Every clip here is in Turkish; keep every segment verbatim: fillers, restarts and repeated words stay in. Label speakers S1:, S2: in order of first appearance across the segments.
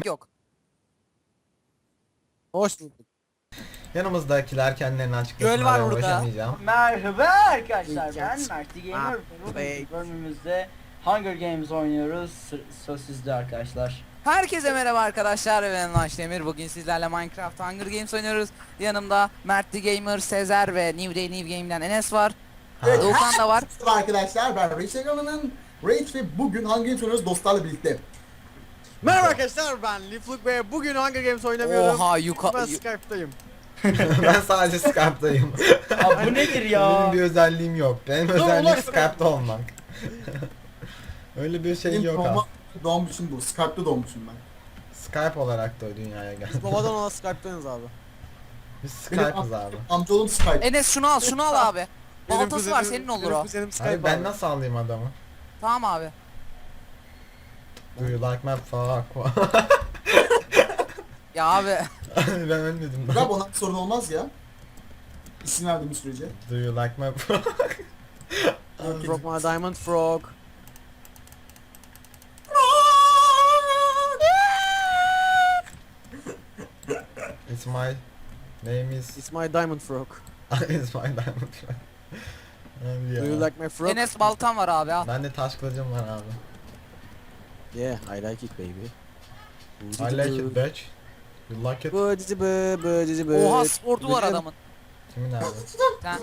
S1: Gerek yok.
S2: Hoş bulduk.
S3: Yanımızdakiler kendilerini
S1: Göl var
S3: açıklasınlar,
S1: burada.
S3: uğraşamayacağım.
S4: Merhaba arkadaşlar, ben
S2: Yes.
S4: Mert'i Gamer. Bu
S2: Hey.
S4: bölümümüzde Hunger Games oynuyoruz. Sı- Söz sizde arkadaşlar.
S1: Herkese merhaba arkadaşlar, ben Launch Demir. Bugün sizlerle Minecraft Hunger Games oynuyoruz. Yanımda Mert The Gamer, Sezer ve New Day New Game'den Enes var.
S3: Evet.
S1: Doğukan da var.
S5: Merhaba arkadaşlar, ben Rachel Gamer'ın Rage ve bugün Hunger Games oynuyoruz dostlarla birlikte.
S2: Merhaba arkadaşlar, ben Lifluk ve bugün Hunger Games oynamıyorum.
S1: Oha yuka...
S2: Ben
S1: yu-
S2: Skype'dayım.
S3: Ben sadece Skype'dayım.
S4: Abi bu nedir ya?
S3: Benim bir özelliğim yok. Benim
S2: Dur,
S3: özelliğim
S2: ulaş
S3: Skype'da olmak. Öyle bir şey
S5: Benim
S3: yok
S5: doğma,
S3: ha.
S5: doğmuşum bu, Skype'da doğmuşum ben.
S3: Skype olarak da o dünyaya geldi.
S2: Biz babadan ona Skype'dayız abi.
S3: Biz
S5: Benim
S3: Skype'ız abi.
S5: amcaoğlum Skype.
S1: Enes şunu al, şunu al abi.
S2: Benim
S1: Baltası var,
S2: kuzenim-
S1: senin olur
S2: benim
S1: o.
S2: kuzenim Skype
S3: Abi ben
S2: abi.
S3: nasıl alayım adamı?
S1: Tamam abi.
S3: Do you like my fuck?
S1: Ya abi.
S3: Ben ölmedim.
S5: Bırak ona bir sorun olmaz ya. İsim verdiğim sürece.
S3: Do you like my fuck?
S2: Frog my diamond frog.
S3: It's my name is
S2: It's my diamond frog.
S3: It's my diamond. Abi
S2: Do you
S3: ya.
S2: like my frog?
S1: Enes baltam var abi al.
S3: Bende taş kılıcım var abi.
S2: Yeah, I like it baby.
S3: I like it bitch. You like it?
S2: Bıcıcı bı, bıcıcı bı.
S1: Oha sportu var adamın.
S3: Kimin abi?
S1: Sen.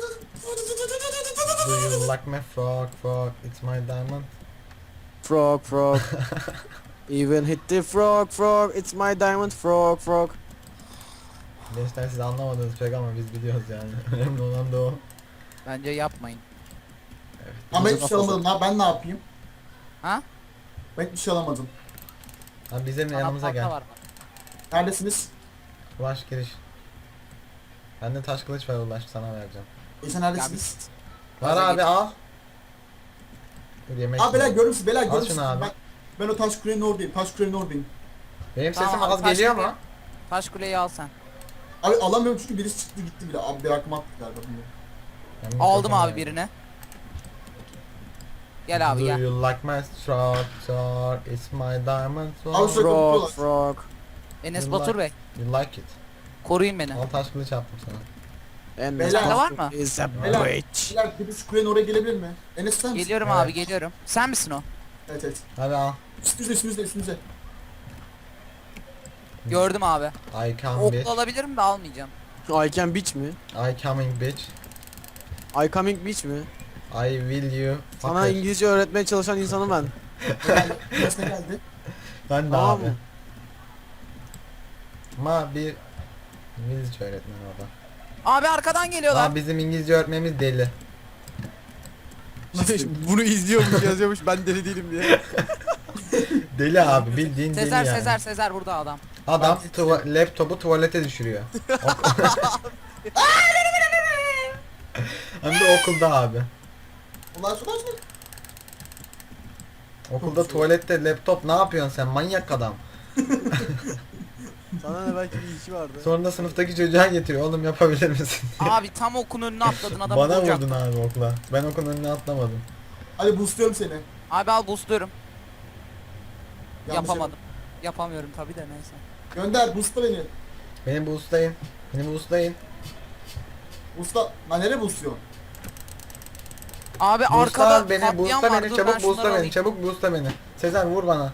S3: Do you like my frog frog? It's my diamond.
S2: Frog frog. Even hit the frog frog. It's my diamond frog frog.
S3: Gençler siz anlamadınız pek ama biz biliyoruz yani. Önemli olan da o.
S1: Bence yapmayın.
S5: Ama hiçbir şey alamadım lan, ben ne yapayım?
S1: Ha?
S5: Ben hiçbir şey alamadım.
S3: Abi bizim
S1: Bana
S3: yanımıza
S1: balta
S3: gel.
S1: var.
S5: Neredesiniz?
S3: Ulaş giriş. Bende taş kılıç var Ulaş sana vereceğim.
S5: E sen neredesiniz?
S3: Var
S1: Gaza
S3: abi
S1: git.
S3: al. Dur yemek
S5: Abi beyler
S3: yiyorum.
S5: görür musun? Beyler
S3: Al
S5: görür
S3: şunu
S5: musun?
S3: abi.
S5: Ben, ben o taş kulenin oradayım, taş kulenin oradayım.
S3: Benim
S1: Tamam
S3: sesim
S1: abi,
S3: az
S1: taş
S3: geliyor
S1: kule-
S3: mu?
S1: Taş kuleyi al sen.
S5: Abi alamıyorum çünkü birisi çıktı gitti bile. Abi bir aklıma attık galiba bunu.
S3: Ben
S1: Aldım
S3: mikrofonu
S1: abi
S3: verdim.
S1: birini. Gel abi
S3: Do
S1: gel.
S3: you like my structure? It's my diamond sword.
S5: Al şu-
S2: Frog
S5: kapatıyorlar.
S2: frog.
S1: Enes
S3: You
S1: Batur
S3: like-
S1: Bey.
S3: You like it.
S1: Koruyun beni.
S3: Al taş kılıç attım sana.
S2: And
S5: Beyler-
S1: Sende var mı?
S2: Is a
S5: Beyler,
S2: bitch.
S5: beyler birisi kulenin oraya gelebilir mi? Enes sen misin?
S1: Geliyorum
S3: Evet.
S1: abi geliyorum. Sen misin o?
S5: Evet evet.
S3: Hadi al.
S5: Üstünüzde üstünüzde üstünüzde.
S1: Gördüm abi.
S3: I come
S1: Oklu
S3: bitch.
S1: alabilirim de almayacağım.
S2: I can bitch mi?
S3: I coming bitch.
S2: I coming bitch mi?
S3: I will you.
S2: Sana
S3: fucker.
S2: İngilizce öğretmeye çalışan insanım ben.
S5: Enes ne geldi?
S3: Ben de
S2: Tamam
S3: abi.
S2: mı?
S3: Ama bir İngilizce öğretmeni o da.
S1: Abi arkadan geliyorlar.
S3: Aa, bizim İngilizce öğretmenimiz deli.
S2: Bunu izliyormuş yazıyormuş ben deli değilim diye.
S3: Deli abi bildiğin deli
S1: Sezer
S3: yani.
S1: Sezer Sezer burada adam.
S3: Adam tuva- laptopu tuvalete düşürüyor. Ok- Hem de okulda abi.
S5: Ulan şu şu.
S3: Okulda tuvalette laptop ne yapıyorsun sen manyak adam.
S2: Sana ne belki bir işi vardı.
S3: Sonra da sınıftaki çocuğa getiriyor oğlum yapabilir misin?
S1: Abi tam okun önüne atladın adamı
S3: Bana
S1: vuracak.
S3: vurdun abi okula. Ben okulun önüne atlamadım.
S5: Hadi boostluyorum seni.
S1: Abi al boostluyorum.
S5: Yanlış
S1: Yapamadım. Yapamıyorum tabi de neyse.
S5: yapma. Gönder boostla beni.
S3: Beni boostlayın. Beni boostlayın.
S5: Boostla. Lan nereye boostluyorsun?
S1: Abi
S3: Boostla
S1: arkada
S3: beni,
S1: patlayan
S3: boostla
S1: var.
S3: beni,
S1: Dur ben
S3: çabuk
S1: şunları
S3: boostla beni,
S1: alayım.
S3: çabuk boostla beni. Sezer vur bana.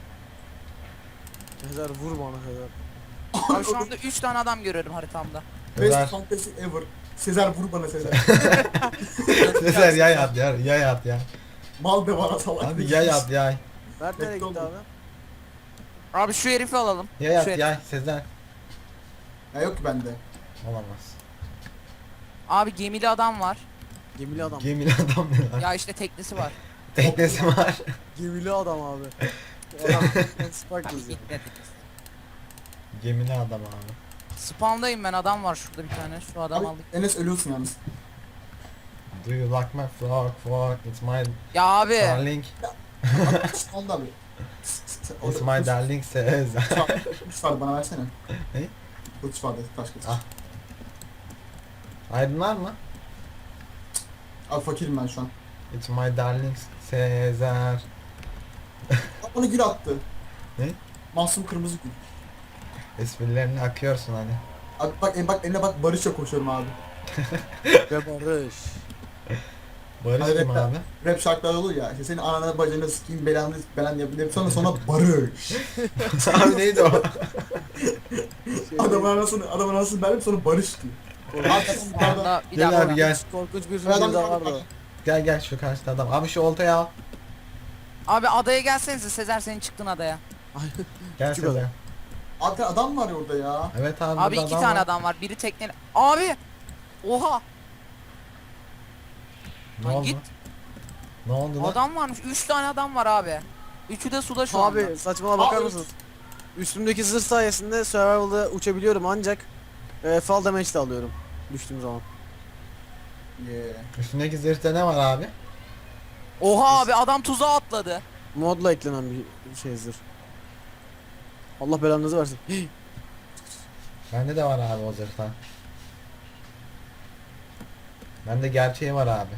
S2: Sezer vur bana Sezer.
S1: Abi şu anda üç tane adam görüyorum haritamda.
S3: Sezer,
S5: Best fantasy ever. Sezer vur bana Sezer.
S3: Sezer yay at ya, yay at ya.
S5: Mal be bana salak.
S3: Hadi yay at yay.
S2: Mert nereye gitti
S5: Bekle
S2: abi?
S5: oğlum.
S1: Abi şu herifi alalım.
S3: Yay at
S1: Şu herif.
S3: yay Sezer.
S5: Ya yok ki bende.
S3: Olamaz.
S1: Abi gemili adam var.
S2: Gemili adam.
S3: Gemili adam ne lan?
S1: Ya işte teknesi var.
S3: Teknesi var.
S2: Gemili adam abi. Adam Spark
S1: Abi
S2: yazıyor.
S1: gitmedi.
S3: Gemili adam abi.
S1: Spawn'dayım ben, adam var şurada bir tane. Şu adam
S5: Abi,
S1: aldık.
S5: Enes ölüyorsun yalnız.
S3: Do you like my frog frog? It's my
S1: Ya abi.
S3: darling.
S5: Onda abi.
S3: It's my darling Sezer.
S5: Kılıç var bana versene.
S3: Ne?
S5: Kılıç vardı taş kılıç.
S3: Ah. Aydın var mı?
S5: Abi fakirim ben şu an.
S3: It's my darling Sezer.
S5: Aa, bana gül attı.
S3: Ne?
S5: Masum kırmızı gül.
S3: Esprilerini akıyorsun hani.
S5: Abi bak en bak eline bak Barış'la koşuyorum abi.
S2: Ve Barış.
S3: Barış
S5: Hayır,
S3: kim
S5: hep-
S3: abi?
S5: Rap şarkılar olur ya. İşte senin ananı bacını sikeyim belanı belanı yapayım. Sonra sonra Barış.
S3: Abi neydi o?
S2: Şey,
S5: Adamın anasını adamın anasını verdim sonra Barış diyor. Hakikaten bu
S1: Bir
S5: arada-
S1: anda bir
S3: Gel
S1: dakika.
S3: abi gel.
S2: Korkunç bir
S5: Adam-
S2: film daha vardı.
S3: Gel gel şu karşıda adam. Abi şu oltayı al.
S1: Abi adaya gelsenize, Sezer senin çıktın adaya.
S3: Gel
S2: Küçük
S3: Sezer.
S2: adam.
S5: Abi adam var ya orada ya.
S3: Evet abi.
S1: Abi
S3: burada
S1: iki tane
S3: var.
S1: adam var. Biri tekne. Abi! Oha!
S3: Ne
S1: Lan
S3: oldu?
S1: git.
S3: Ne oldu lan?
S1: Adam varmış. Üç tane adam var abi. Üçü de suda şu anda.
S2: Abi saçmalama bakar
S5: Abi-
S2: mısın? Üstümdeki zırh sayesinde survival'da uçabiliyorum ancak e, fall damage de alıyorum düştüğüm zaman.
S5: Yeah.
S3: Üstündeki zırhta ne var abi?
S1: Oha abi adam tuzağa atladı.
S2: Modla eklenen bir şey zırh. Allah belanızı versin.
S3: Bende de var abi o zırhtan. Bende gerçeği var abi.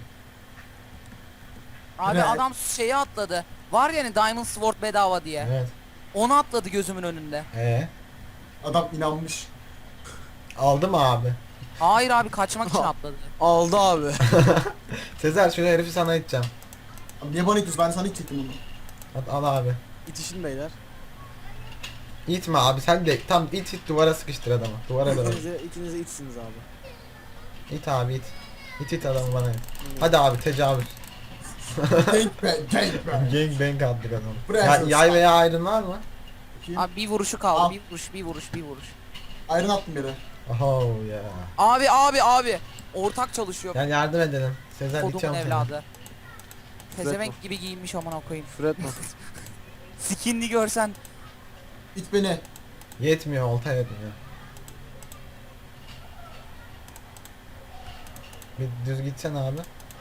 S1: Abi
S5: Ne?
S1: adam şeye atladı. Var yani Diamond Sword bedava diye.
S3: Evet.
S1: Onu atladı gözümün önünde.
S3: Ee,
S5: Adam inanmış.
S3: aldı mı abi?
S1: Hayır abi kaçmak için atladı.
S2: Aldı abi.
S3: Sezer şu herifi sana iteceğim.
S5: Abi niye bana itiyorsun? Ben sana itecektim onu.
S3: At, al abi.
S2: İtişin beyler.
S3: İtme abi sen de tam it it duvara sıkıştır adamı. Duvara doğru.
S2: İkinize, ikinize itsiniz abi.
S3: İt abi it. İt it adamı bana it. Hadi abi tecavüz.
S5: Gangbang, gangbang.
S3: Gang bang attık adamı.
S5: Buraya
S3: Ya,
S5: sus.
S3: yay veya ayrın var mı?
S5: Bakayım.
S1: Abi bir vuruşu kaldı.
S5: Al.
S1: Bir vuruş, bir vuruş, bir vuruş.
S5: Iron attım yere.
S3: Oh ya.
S1: Abi abi abi. Ortak çalışıyor.
S3: Gel yardım edelim. Sezer
S1: Kodumun
S3: iteceğim seni.
S1: evladı. Pezevenk gibi giyinmiş amına koyayım.
S2: Küfür etme.
S1: Skinli görsen.
S5: İt beni.
S3: Yetmiyor olta yetmiyor. Bir düz gitsen abi.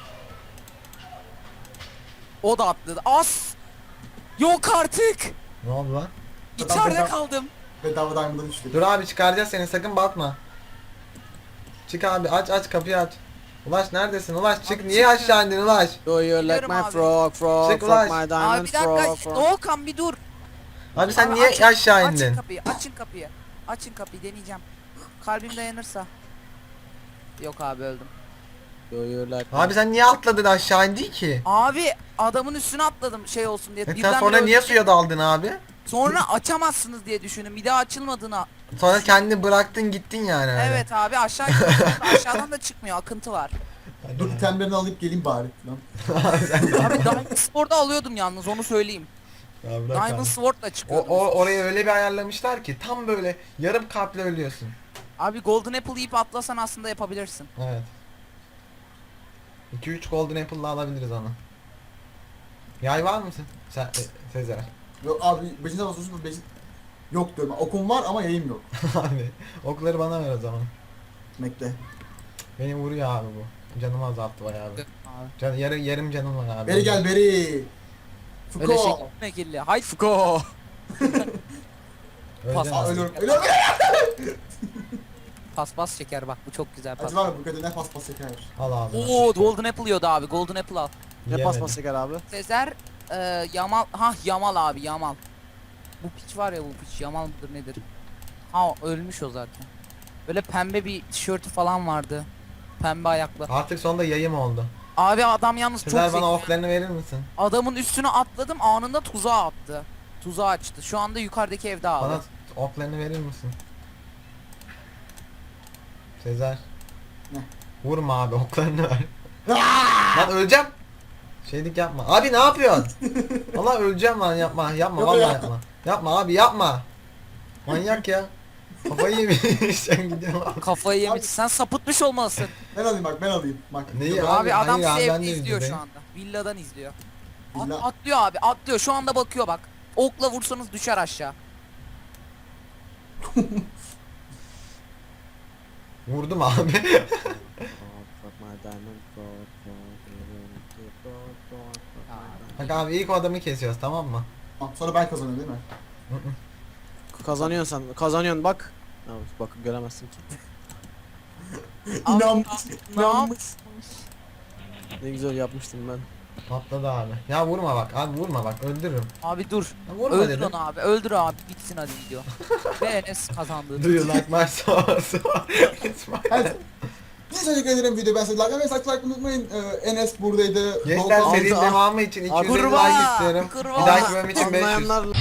S1: O da atladı. As! Yok artık.
S3: Ne oldu lan?
S1: İçeride
S5: Bedava-
S1: kaldım.
S5: Bedava diamond'dan düştü.
S3: Dur abi çıkaracağız seni sakın batma. Çık abi aç aç kapıyı aç. Ulaş neredesin Ulaş çık
S1: Abi
S3: niye
S1: çık
S3: aşağı indin Ulaş?
S2: Do you like
S1: Biliyorum
S2: my
S1: abi.
S2: frog frog
S3: Çık
S2: frog
S3: ulan.
S2: my
S1: Abi
S2: diamond
S1: bir
S2: frog
S1: dakika.
S2: frog.
S1: Doğukan bir dur.
S3: Abi sen
S1: Abi
S3: niye
S1: açın-
S3: aşağı
S1: Açın
S3: indin?
S1: kapıyı. Açın kapıyı. Açın kapıyı deneyeceğim. Kalbim dayanırsa. Yok abi öldüm.
S2: Do you like
S3: Abi sen niye atladın aşağı indi ki?
S1: Abi adamın üstüne atladım şey olsun diye.
S3: E sen
S1: Birden
S3: sonra
S1: bire
S3: niye
S1: öldüm.
S3: suya daldın abi?
S1: Sonra açamazsınız diye düşündüm. Bir daha açılmadığına.
S3: Sonra kendini bıraktın gittin yani öyle.
S1: Evet abi aşağı gidiyorum. Aşağıdan da çıkmıyor. Akıntı var.
S5: Dur itemlerini alıp geleyim bari. Lan.
S1: Abi Diamond Sword'u alıyordum yalnız onu söyleyeyim.
S3: Ya bırak
S1: Diamond
S3: abi.
S1: Sword'la
S3: O,
S1: çıkıyordum.
S3: o orayı öyle bir ayarlamışlar ki tam böyle yarım kalple ölüyorsun.
S1: Abi Golden Apple yiyip atlasan aslında yapabilirsin.
S3: Evet. iki üç golden apple'la alabiliriz onu. Yay var mısın? Sen, e, Sezer.
S5: Yok abi beşinci basıyorsun beşinci... Yok diyorum. Okum var ama yayım yok.
S3: Abi okları bana ver o zaman.
S5: Bekle.
S3: Beni vuruyor abi bu. Canımı azalttı bayağı bir.
S1: Abi.
S3: Can, yarı, yarım canım var abi.
S5: Beri gel beri.
S1: Öyle şey
S5: Fuko.
S1: gitme kirli. Haydi
S2: Fuko.
S3: Öleceksin
S5: Aa
S3: abi.
S5: ölüyorum. Ölüyorum.
S1: paspas çeker bak bu çok güzel pas.
S5: Acı var mı bu kadar ne pas pas çeker.
S3: Al abi.
S1: Oo Golden Apple yiyordu abi. Golden Apple al.
S2: Ne
S3: Yemedim.
S2: paspas çeker abi?
S1: Sezer e, Yamal ha Yamal abi Yamal. Bu piç var ya bu piç Yamal mıdır nedir? Ha ölmüş o zaten. Böyle pembe bir tişörtü falan vardı. Pembe ayaklı.
S3: Artık sonunda yayım oldu.
S1: Abi adam yalnız çok
S3: Sezer
S1: zeki.
S3: bana oklarını verir misin?
S1: Adamın üstüne atladım anında tuzağa attı. Tuzağı açtı. Şu anda yukarıdaki evde abi.
S3: Bana oklarını verir misin? Sezer.
S5: Ne?
S3: Vurma abi oklarını ver. Lan öleceğim. Şeylik yapma. Abi ne yapıyorsun? Allah öleceğim lan yapma. Yapma
S5: Yok
S3: vallahi
S5: ya.
S3: yapma. Yapma abi yapma. Manyak ya. Kafayı yemiş sen gidiyorsun abi.
S1: Kafayı yemiş. Sen sapıtmış olmalısın.
S5: Ben alayım bak ben alayım. Bak.
S3: Neyi
S5: Yok,
S3: Abi,
S1: Abi, adam
S3: hayır abi,
S1: sizi
S3: ben
S1: evde
S3: de
S1: izliyor şu
S3: izledim.
S1: anda. Villadan izliyor. At-
S5: Villa-
S1: atlıyor abi atlıyor. Şu anda bakıyor bak. Okla vursanız düşer aşağı.
S3: Vurdum abi.
S2: Frog, frog my diamond frog frog frog frog frog frog my
S3: Bak abi ilk o adamı kesiyoruz tamam mı?
S5: Tamam, sonra ben kazanıyorum değil mi?
S2: diamond. Kazanıyorsun sen. Kazanıyorsun bak. Ya, bak göremezsin ki.
S5: İnanmış.
S1: Ne
S5: İnanmış.
S1: yapmış?
S2: Ne güzel yapmıştım ben.
S3: Patladı abi. Ya vurma bak abi vurma bak öldürürüm.
S1: Abi dur.
S3: Ya vurma
S1: Öldür
S3: dedim.
S1: onu abi. Öldür abi. Bitsin hadi video. Ve Enes kazandı.
S3: Do you like my sauce? It's my-
S5: Evet. Bir teşekkür ederim video ben size like ve like unutmayın. Ee, Enes buradaydı.
S3: Gençler
S5: Volkan-
S3: serinin
S2: Altı-
S3: devamı için iki yüz elli
S1: Kurbağa,
S3: like istiyorum.
S1: kurbağa.
S3: Bir dahaki bölüm için beş yüz.
S2: Anlayanlar